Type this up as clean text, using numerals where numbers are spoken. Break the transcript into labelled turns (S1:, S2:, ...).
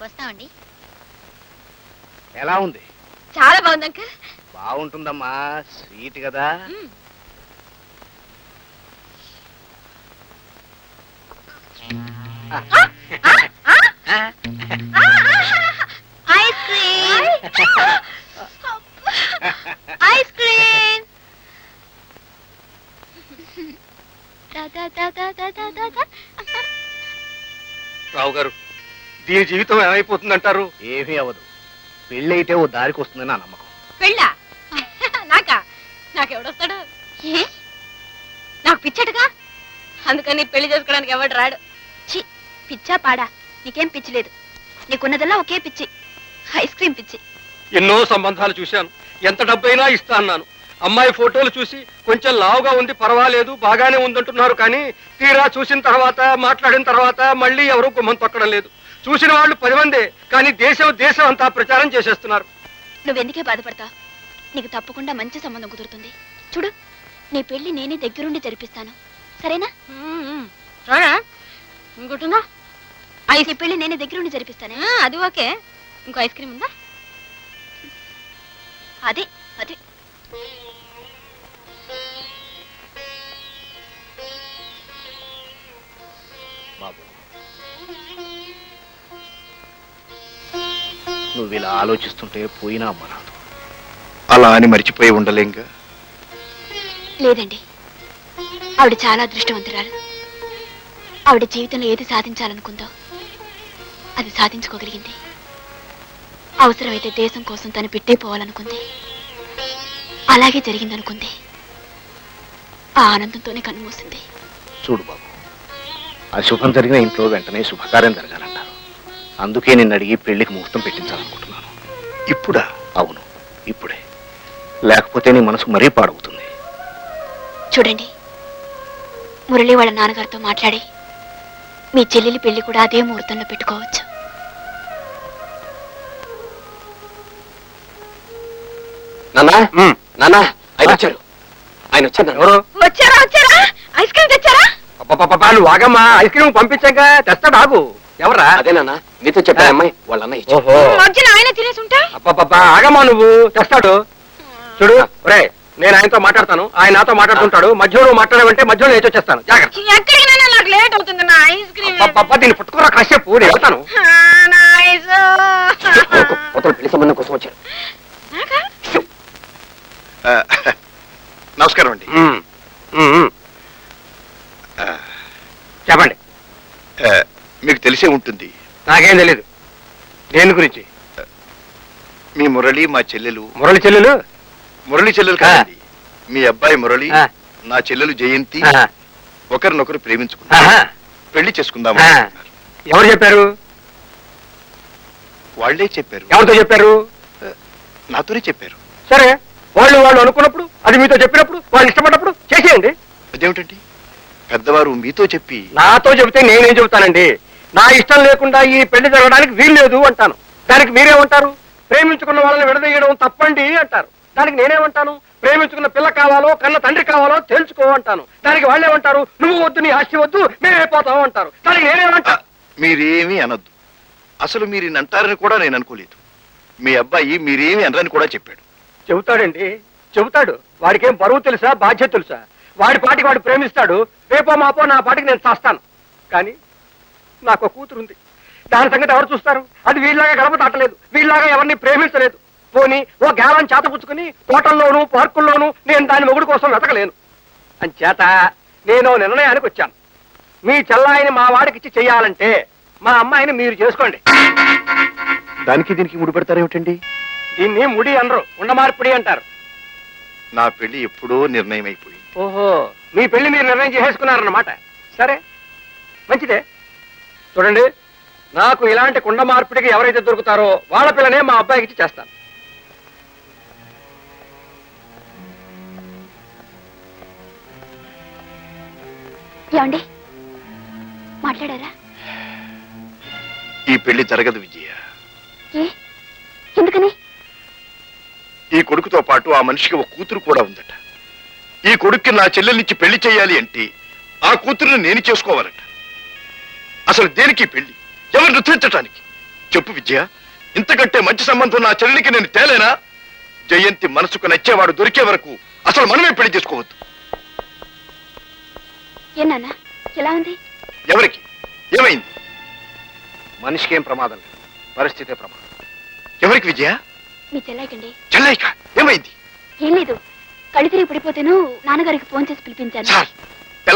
S1: వస్తామండి.
S2: ఎలా ఉంది?
S1: చాలా బాగుంది అంకుల్.
S2: బాగుంటుందమ్మా, స్వీట్ కదా.
S1: Ice cream, ice cream.
S3: Rao garu, దీని జీవితం ఏమైపోతుందంటారు?
S2: ఏమీ అవ్వదు. పెళ్ళైతే ఓ దారికి వస్తుందని నా నమ్మకం.
S1: పెళ్ళా? నాకెవడొస్తాడు? ఏ నాకు పిచ్చటగా, అందుకని పెళ్లి చేసుకోవడానికి ఎవడు రాడు. చి, పిచ్చా పాడా? నీకేం పిచ్చి లేదు. నీకున్నదల్లా ఒకే పిచ్చి, ఐస్ క్రీమ్ పిచ్చి.
S3: ఎన్నో సంబంధాలు చూశాను, ఎంత డబ్బైనా ఇస్తా అన్నాను. అమ్మాయి ఫోటోలు చూసి కొంచెం లావుగా ఉంది, పర్వాలేదు, బాగానే ఉందంటున్నారు. కానీ తీరా చూసిన తర్వాత, మాట్లాడిన తర్వాత మళ్ళీ ఎవరూ గుమ్మం తొక్కడం లేదు. చూసిన వాళ్ళు 10 మందే, కానీ దేశం అంతా ప్రచారం చేసేస్తున్నారు.
S1: నువ్వెందుకే బాధపడతావు? నీకు తప్పకుండా మంచి సంబంధం కుదురుతుంది. చూడు, నీ పెళ్లి నేనే దగ్గరుండి జరిపిస్తాను, సరేనా? ఇంకోటిందా? ఐస్ పెళ్లి నేనే దగ్గరుండి జరిపిస్తానే. అది ఓకే. ఇంకో ఐస్ క్రీమ్ ఉందా? అదే అదే.
S2: బాబు, నువ్వు ఇలా ఆలోచిస్తుంటే పోయినా అమ్మ రాదు.
S4: అలా అని మర్చిపోయి ఉండలేంగా?
S1: లేదండి, ఆవిడ చాలా అదృష్టవంతురాలు. ఆవిడ జీవితంలో ఏది సాధించాలనుకుందో అది సాధించుకోగలిగింది. అవసరమైతే దేశం కోసం తను పెట్టేపోవాలనుకుంది, అలాగే జరిగిందనుకుంది. ఆ ఆనందంతోనే కన్నుమూసింది.
S2: చూడు బాబు, అశుభం జరిగిన ఇంట్లో వెంటనే శుభకార్యం జరగాలంటారు. అందుకే నిన్ను అడిగి పెళ్లికి ముహూర్తం పెట్టించాలనుకుంటున్నాను.
S4: ఇప్పుడా?
S2: అవును, ఇప్పుడే. లేకపోతే నీ మనసు మరీ పాడవుతుంది.
S1: చూడండి, మురళి వాళ్ళ నాన్నగారితో మాట్లాడి మీ చెల్లెలి పెళ్లి కూడా అదే ముహూర్తంలో పెట్టుకోవచ్చు.
S3: ఆయన వచ్చారు.
S1: వచ్చారా? వచ్చారా? ఐస్ క్రీమ్ తెచ్చారా?
S3: నువ్వు ఆగమ్మా, ఐస్ క్రీమ్ పంపించాక తెస్తాడు. ఆగు. ఎవరా?
S5: అదేనా నీతో చెప్పాను అమ్మాయి వాళ్ళ అన్నయ్య.
S3: ఓహో,
S1: మధ్యలో ఆయన తినేసి ఉంటా.
S3: ఆగమ్మా, నువ్వు తెస్తాడు. చూడు రే, నేను ఆయనతో మాట్లాడతాను, ఆయన నాతో మాట్లాడుతుంటాడు. మధ్యలో నువ్వు మాట్లాడమంటే మధ్యలో నేను వచ్చేస్తాను. జాగ్రత్త.
S1: ఎక్కడికైనా నాకు లేట్ అవుతుంది. నా ఐస్ క్రీమ్
S3: దీన్ని పుట్టుకురా కాసేపు, నేను వెళ్తాను.
S5: పెళ్లి సంబంధం కోసం వచ్చారు.
S4: నమస్కారం అండి.
S3: చెప్పండి.
S4: మీకు తెలిసే ఉంటుంది.
S3: నాకేం తెలీదు దేని గురించి.
S4: మీ మురళి మా చెల్లెలు.
S3: మురళి చెల్లెలు?
S4: మురళి చెల్లెలు కాదండి, మీ అబ్బాయి మురళి, నా చెల్లెలు జయంతి ఒకరినొకరు ప్రేమించుకున్నారు, పెళ్లి చేసుకుందాం.
S3: ఎవరు చెప్పారు?
S4: వాళ్లే చెప్పారు.
S3: ఎవరితో చెప్పారు?
S4: నాతోనే చెప్పారు.
S3: సరే, వాళ్ళు అనుకున్నప్పుడు, అది మీతో చెప్పినప్పుడు, వాళ్ళు ఇష్టపడినప్పుడు చేసేయండి.
S4: అదేమిటండి, పెద్దవారు మీతో చెప్పి
S3: నాతో చెబితే నేనేం చెబుతానండి? నా ఇష్టం లేకుండా ఈ పెళ్లి జరగడానికి వీలు లేదు అంటాను. దానికి మీరేమంటారు? ప్రేమించుకున్న వాళ్ళని విడదీయడం తప్పండి అంటారు. దానికి నేనేమంటాను? ప్రేమించుకున్న పిల్ల కావాలో కన్న తండ్రి కావాలో తెలుసుకో అంటాను. దానికి వాళ్ళేమంటారు? నువ్వు వద్దు, నీ ఆస్తి వద్దు, మేమైపోతావు అంటారు. దానికి నేనేమంటా?
S4: మీరేమీ అనొద్దు. అసలు మీరు అంటారని కూడా నేను అనుకోలేదు. మీ అబ్బాయి మీరేమీ అనరని కూడా చెప్పాడు.
S3: చెబుతాడండి, చెబుతాడు. వాడికేం బరువు తెలుసా, బాధ్యత తెలుసా? వాడి పాటికి వాడు ప్రేమిస్తాడు. రేపో మాపో నా పాటికి నేను చేస్తాను. కానీ నాకు కూతురుంది, దాని సంగతి ఎవరు చూస్తారు? అది వీళ్ళలాగా గడప దాటలేదు, వీళ్ళలాగా ఎవరిని ప్రేమించలేదు. పోనీ ఓ గ్యాలం చేతపుచ్చుకుని తోటల్లోనూ పార్కుల్లోనూ నేను దాని మొగుడు కోసం వెతకలేను. అంచేత నేను నిర్ణయానికి వచ్చాను. మీ చెల్లాయిని మా వాడికిచ్చి చెయ్యాలంటే మా అమ్మాయిని మీరు చేసుకోండి.
S4: దానికి దీనికి ముడి పెడతారేమిటండి?
S3: దీన్ని ముడి అనరు, ఉండమార్పిడి అంటారు.
S4: నా పెళ్లి ఎప్పుడో నిర్ణయం అయిపోయింది.
S3: ఓహో, మీ పెళ్లి మీరు నిర్ణయం చేసేసుకున్నారన్నమాట. సరే, మంచిదే. చూడండి, నాకు ఇలాంటి కుండ మార్పిడికి ఎవరైతే దొరుకుతారో వాళ్ళ పిల్లనే మా అబ్బాయికి ఇచ్చి చేస్తాను.
S1: ఏమండి, మాట్లాడారా?
S4: ఈ పెళ్లి జరగదు విజయ.
S1: ఎందుకని?
S4: ఈ కొడుకుతో పాటు ఆ మనిషికి ఒక కూతురు కూడా ఉందట. ఈ కొడుక్కి నా చెల్లెల్నిచ్చి పెళ్లి చేయాలి అంటే ఆ కూతురుని నేను చేసుకోవాలట. అసలు దేనికి పెళ్లి? ఎవరు నృత్యించటానికి? చెప్పు విజయ, ఇంతకంటే మంచి సంబంధం నా చెల్లెలికి నేను తేలేనా? జయంతి మనసుకు నచ్చేవాడు దొరికే వరకు అసలు మనమే పెళ్లి చేసుకోవద్దు.
S1: ఏ నాన్న ఎలా ఉంది?
S4: ఎవరికి ఏమైంది?
S2: మనిషికి ఏం ప్రమాదం లేదు, పరిస్థితే ప్రమాదం.
S4: ఎవరికి విజయ?
S1: మీ చెల్లాయికండి.
S4: చెల్లైక ఏమైంది?
S1: ఏం లేదు, కళ్ళు తిరిగి పడిపోతేను నాన్నగారికి ఫోన్ చేసి పిలిపించాను.
S4: సార్